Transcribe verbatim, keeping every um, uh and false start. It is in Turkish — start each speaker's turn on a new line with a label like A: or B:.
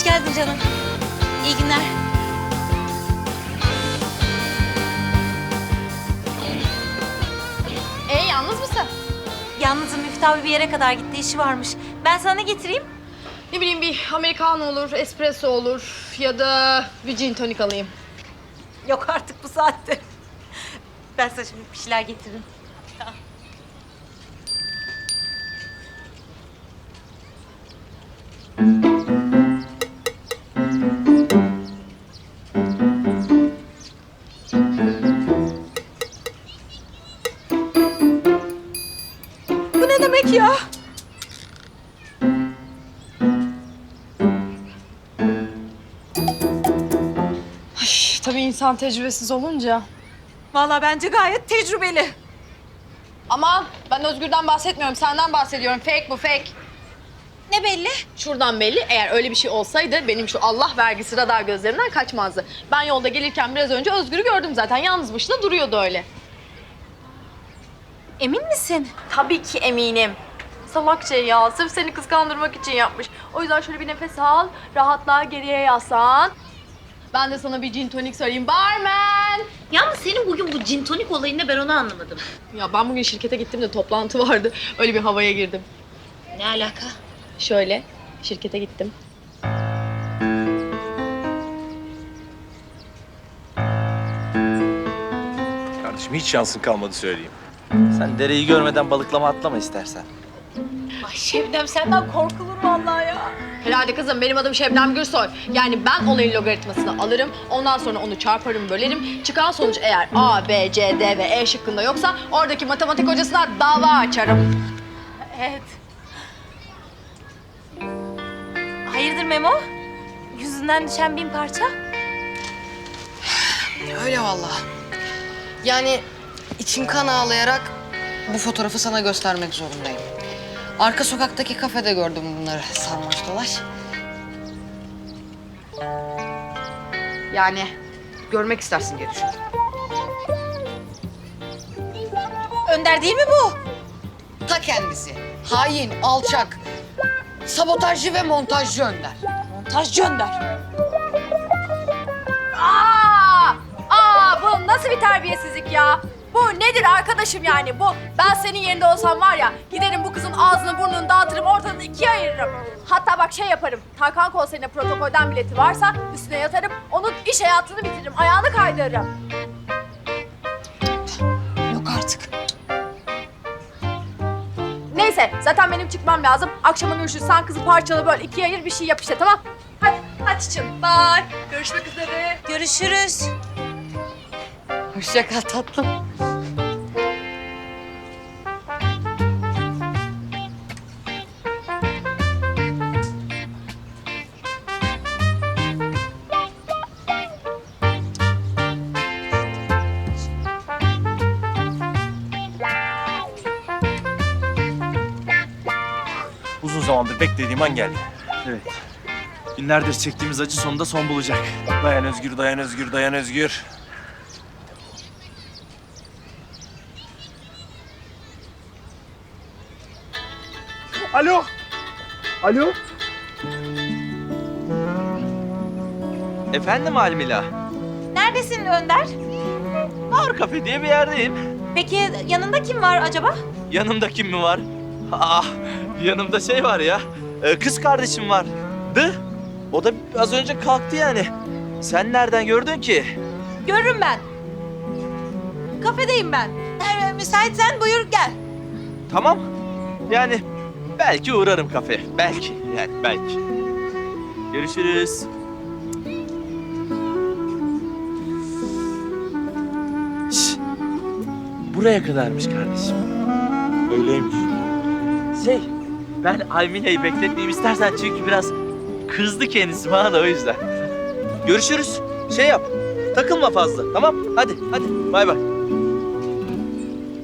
A: Hoş geldin canım. İyi günler.
B: Ee, yalnız mısın?
A: Yalnızım, Müftü abi bir yere kadar gitti, işi varmış. Ben sana ne getireyim?
B: Ne bileyim, bir americano olur, espresso olur ya da bir gin tonik alayım.
A: Yok artık bu saatte. Ben sana şimdi bir şeyler getiririm. Bu ne demek ya?
B: Ay, tabii insan tecrübesiz olunca.
A: Vallahi bence gayet tecrübeli.
B: Aman, ben Özgür'den bahsetmiyorum, senden bahsediyorum. Fake bu, fake.
A: Ne belli?
B: Şuradan belli, eğer öyle bir şey olsaydı benim şu Allah vergisi radar gözlerimden kaçmazdı. Ben yolda gelirken biraz önce Özgür'ü gördüm zaten. Yalnız başına duruyordu öyle.
A: Emin misin?
B: Tabii ki eminim. Salak şey ya, sırf seni kıskandırmak için yapmış. O yüzden şöyle bir nefes al, rahatla, geriye yaslan. Ben de sana bir gin tonik söyleyeyim. Barman!
A: Yalnız senin bugün bu gin tonik olayında ben onu anlamadım.
B: Ya ben bugün şirkete gittim de toplantı vardı. Öyle bir havaya girdim.
A: Ne alaka?
B: Şöyle, şirkete gittim.
C: Kardeşim hiç şansın kalmadı söyleyeyim. Sen dereyi görmeden balıklama atlama istersen.
A: Ay Şebnem senden korkulur vallahi ya.
B: Herhalde kızım, benim adım Şebnem Gürsoy. Yani ben olayın logaritmasını alırım, ondan sonra onu çarparım, bölerim. Çıkan sonuç eğer A, B, C, D ve E şıkkında yoksa oradaki matematik hocasına dava açarım.
A: Evet. Hayırdır Memo? Yüzünden düşen bin parça.
D: Öyle vallahi. Yani içim kan ağlayarak bu fotoğrafı sana göstermek zorundayım. Arka sokaktaki kafede gördüm bunları sarmaş dolaş. Yani görmek istersin diye düşündüm.
A: Önder değil mi bu?
D: Ta kendisi. Hain, alçak, sabotajcı ve montajcı Önder.
A: Montajcı Önder.
B: Aa! Aa! Bu nasıl bir terbiyesizlik ya? Bu nedir arkadaşım yani? Bu, ben senin yerinde olsam var ya, giderim bu kızın ağzını burnunu dağıtırım, ortadan ikiye ayırırım. Hatta bak şey yaparım, Tarkan konserine protokolden bileti varsa üstüne yatarım, onun iş hayatını bitiririm, ayağını kaydırırım.
D: Yok artık.
B: Neyse, zaten benim çıkmam lazım. Akşama görüşürüz, sen kızı parçalı böyle ikiye ayır, bir şey yap işte, tamam? Hadi, hadi canım, bye. Görüşmek üzere.
A: Görüşürüz.
D: Hoşça kal tatlım.
C: Uzun zamandır beklediğim an geldi. Evet. Günlerdir çektiğimiz acı sonunda son bulacak. Dayan Özgür, dayan Özgür, dayan Özgür. Alo. Alo. Efendim Almila.
A: Neredesin Önder?
C: Bar Kafe diye bir yerdeyim.
A: Peki yanında kim var acaba?
C: Yanımda kim mi var? Ah, yanımda şey var ya. e, Kız kardeşim vardı. O da az önce kalktı yani. Sen nereden gördün ki?
A: Görürüm ben. Kafedeyim ben. Eğer müsaitsen buyur gel.
C: Tamam. Yani belki uğrarım kafe. Belki yani belki. Görüşürüz. Şş, buraya kadarmış kardeşim. Öyleymiş. Şey, ben Aymine'yi bekletmeyeyim istersen çünkü biraz kızdı kendisi bana da o yüzden. Görüşürüz. Şey yap, takılma fazla tamam? Hadi, hadi bay bay.